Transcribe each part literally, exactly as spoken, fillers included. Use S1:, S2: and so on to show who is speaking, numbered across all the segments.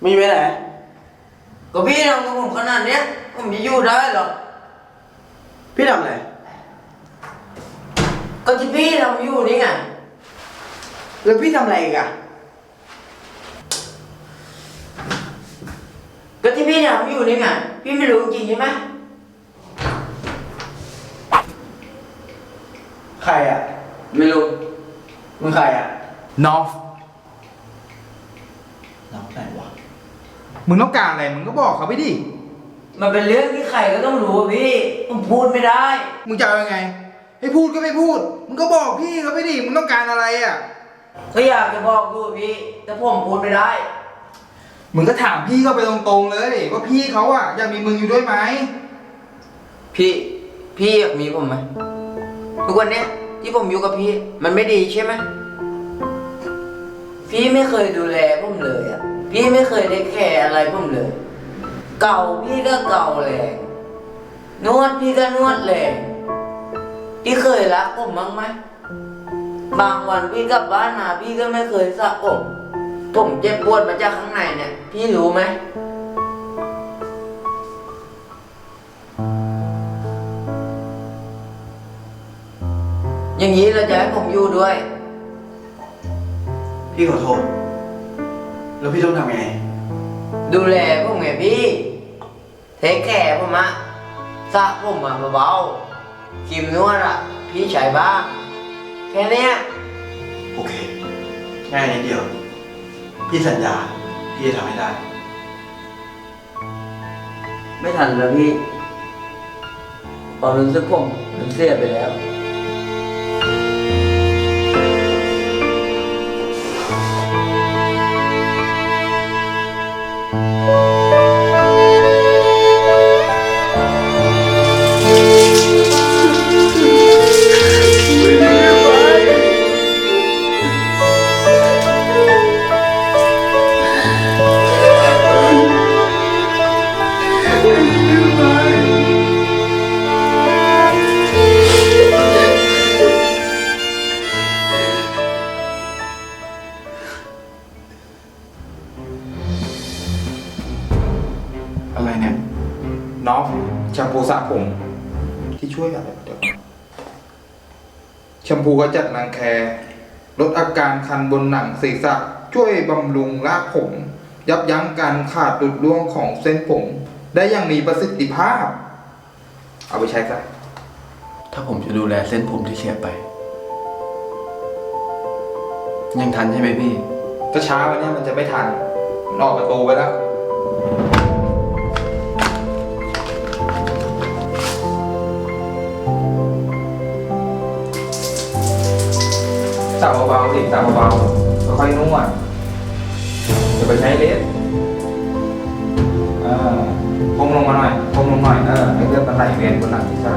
S1: มีไปไหน
S2: ก็พี่ทำกับผมขนาดเนี้ยผมจะอยู่ได้หรอ
S1: พี่ทำอะไร
S2: ก็ที่พี่ทำอยู่นี่ไง
S1: แล้วพี่ทำอะไรอีกอะ
S2: ก็ที่พี่ทำอยู่นี่ไงพี่ไม่รู้จริงใช่ไหม
S1: ใครอะ
S2: ไม่รู้
S1: มึงใครอะ
S3: น้อง
S1: น้องไหนวะ
S3: มึงต้องการอะไรมึงก็บอกเขาไปดิ
S2: มันเป็นเรื่องที่ใครก็ต้องรู้พี่ผมพูดไม่ได้
S3: มึงจะเอายังไงให้พูดก็ไม่พูดมึงก็บอกพี่เขาไปดิมึงต้องการอะไรอ่ะ
S2: ก็อยากจะบอกดูพี่แต่ผมพูดไม่ได้
S3: มึงก็ถามพี่เขาไปตรงๆเลยว่าพี่เขาอ่ะอยากมีมึงอยู่ด้วยไหม
S2: พี่พี่อยากมีผมไหมทุกวันเนี้ยที่ผมอยู่กับพี่มันไม่ดีใช่ไหมพี่ไม่เคยดูแลผมเลยอ่ะพี่ไม่เคยได้แคร์อะไรผมเลยเก่าพี่ก็เก่าแรงนวดพี่ก็นวดแรงพี่เคยรักผมบ้างไหมบางวันพี่กลับบ้านมาพี่ก็ไม่เคยสระผมผมเจ็บปวดมาจากข้างในเนี่ยพี่รู้ไหมอย่างนี้เราจะให้ผมอยู่ด้วย
S1: พี่ขอโทษแล้วพี่ต้องทำไง
S2: ดูแลผมไงพี่เทคแคร์ผมอะสระผมอะเบาๆครีมนวดอะพี่ใช้บ้างแค่นี้
S1: โอเคง่ายนิดเดียวพี่สัญญาพี่จะทำให้ได้
S2: ไม่ทันแล้วพี่ความรู้สึกผมมันเสียไปแล้ว
S1: อะไรเนี่ย
S3: น้องแชมพูสระผมที่ช่วยอะไรเดี๋ยวแชมพูก็จัดรังแคลดอาการคันบนหนังศีรษะช่วยบำรุงรากผมยับยั้งการขาดหลุดร่วงของเส้นผมได้อย่างมีประสิทธิภาพเอาไปใช้ซะ
S1: ถ้าผมจะดูแลเส้นผมที่เสียไปยังทันใช่ไหมพี่
S3: ถ้าช้าวันนี้มันจะไม่ทันมันออกประตูไปแล้วสาวเบาๆสิสาวเบาๆค่อยๆนวดอย่าไปใช้เลสเออพงลงมาหน่อยพงลงหน่อยเออให้เลือดมันไหลเวียนบนหลังศีรษะ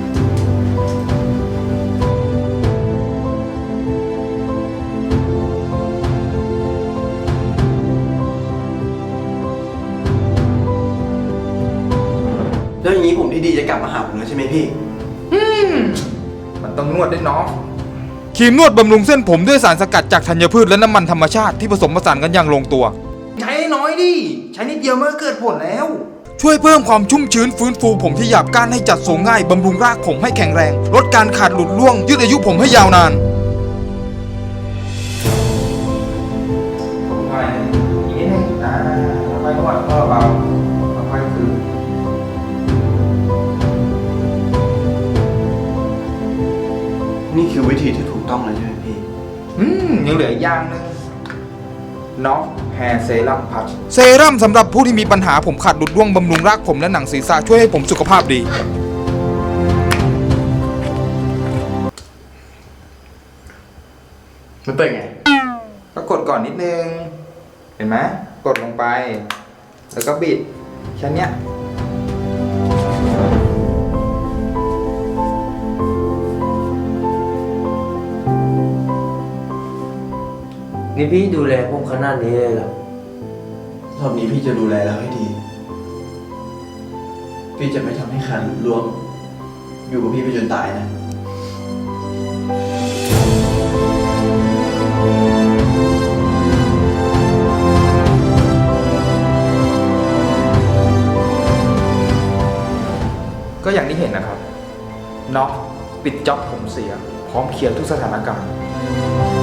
S1: แล้วอย่างนี้ผมที่ดีจะกลับมาหาผมแล้วใช่ไหมพี่
S3: อืมมันต้องนวดด้วยเนาะครีมนวดบำรุงเส้นผมด้วยสารสกัดจากธัญพืชและน้ำมันธรรมชาติที่ผสมผสานกันอย่างลงตัวใช้น้อยดิใช้นิดเดียวมันก็เกิดผลแล้วช่วยเพิ่มความชุ่มชื้นฟื้นฟูผมที่หยาบก้านให้จัดทรงง่ายบำรุงรากผมให้แข็งแรงลดการขาดหลุดร่วงยืดอายุผมให้ยาวนานผมไปอีกนิดนึงอ่าค่อยนวดเบาๆค่อยๆคือ
S1: นี่คือวิธีที่ถูกต้องเลยใช่ไหมพี่
S3: อืมยังเหลืออีกอย่างนึงน็อกแฮร์เซรั่มพัชเซรั่มสำหรับผู้ที่มีปัญหาผมขาดหลุดร่วงบำรุงรากผมและหนังศีรษะช่วยให้ผมสุขภาพดี
S1: มันเป็นไง
S3: ก็กดก่อนนิดนึงเห็นไหมกดลงไปแล้วก็บิดแค่นี้
S2: นี่พี่ดูแลผมขนาดนี้เลยเหรอ
S1: รอบนี้พี่จะดูแลเราให้ดี พี่จะไม่ทำให้คันรวมอยู่กับพี่ไปจนตายนะ
S3: ปิดจ็อบผมเสีย พร้อมเคลียร์ทุกสถานการณ์